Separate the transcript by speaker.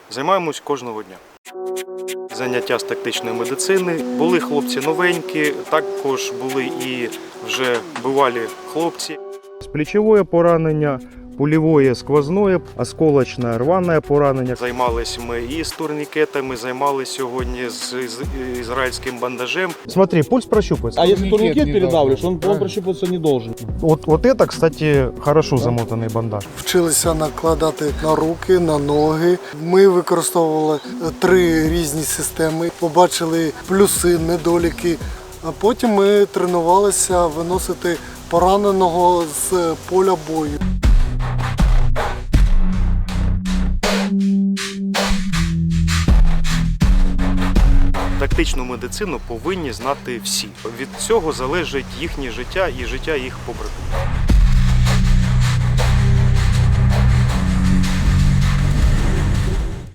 Speaker 1: Займаємось кожного дня. Заняття з тактичної медицини. Були хлопці новенькі, також були і вже бувалі хлопці. Плечове поранення, пульове сквозне, осколочне рване поранення. Займалися ми і з турнікетами, займалися сьогодні з ізраїльським бандажем. Смотри, пульс прощупывается.
Speaker 2: А если турникет передавливаешь, он прощупываться не должен.
Speaker 1: Вот это, кстати, хорошо замотаний бандаж.
Speaker 3: Вчилися накладати на руки, на ноги. Ми використовували 3 різні системи, побачили плюси, недоліки. А потім ми тренувалися виносити пораненого з поля бою.
Speaker 1: Тактичну медицину повинні знати всі. Від цього залежить їхнє життя і життя їх побратимів.